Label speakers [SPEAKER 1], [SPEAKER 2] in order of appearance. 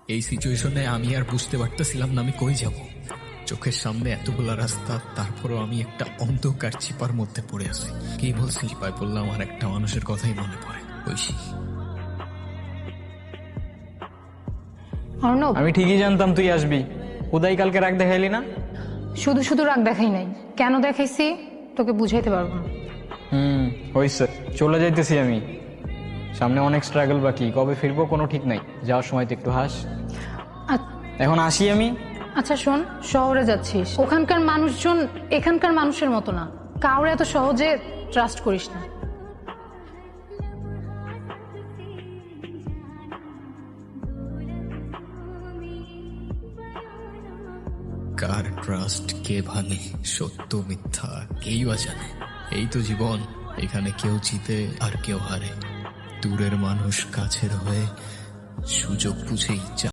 [SPEAKER 1] এই সিচুয়েশনে আমি আর বুঝতে পারতেছিলাম না আমি কই যাব। চোখের সামনে এতগুলা রাস্তা, তারপরও আমি একটা অন্ধকার চিপার মধ্যে পড়ে আছি। কি বলছি, চিপায় পড়লাম আর একটা মানুষের কথাই মনে পড়ে, ঐশী।
[SPEAKER 2] অর্ণব,
[SPEAKER 3] আমি ঠিকই জানতাম তুই আসবি। উদয় কালকে রাগ দেখাইলি না?
[SPEAKER 2] শুধু শুধু রাগ দেখাই নাই, কেন দেখাইছি তোকে বুঝাইতে পারবো না।
[SPEAKER 3] হইছে, চলে যাইতেছি আমি। সামনে অনেক স্ট্রাগল বাকি, কবে ফিরবো কোনো ঠিক নাই। যাওয়ার সময় তো একটু হাস। এখন আসি আমি।
[SPEAKER 2] আচ্ছা শোন, শহরে যাচ্ছিস, ওখানকার মানুষজন এখানকার মানুষের মতো না, কাউরে এত সহজে ট্রাস্ট করিস না।
[SPEAKER 1] কার ট্রাস্ট কে ভাঙে, সত্য মিথ্যা কেই বা জানে। এই তো জীবন, এখানে কেউ জিতে আর কেউ হারে। দূরের মানুষ কাছের হয়ে সুযোগ বুঝেই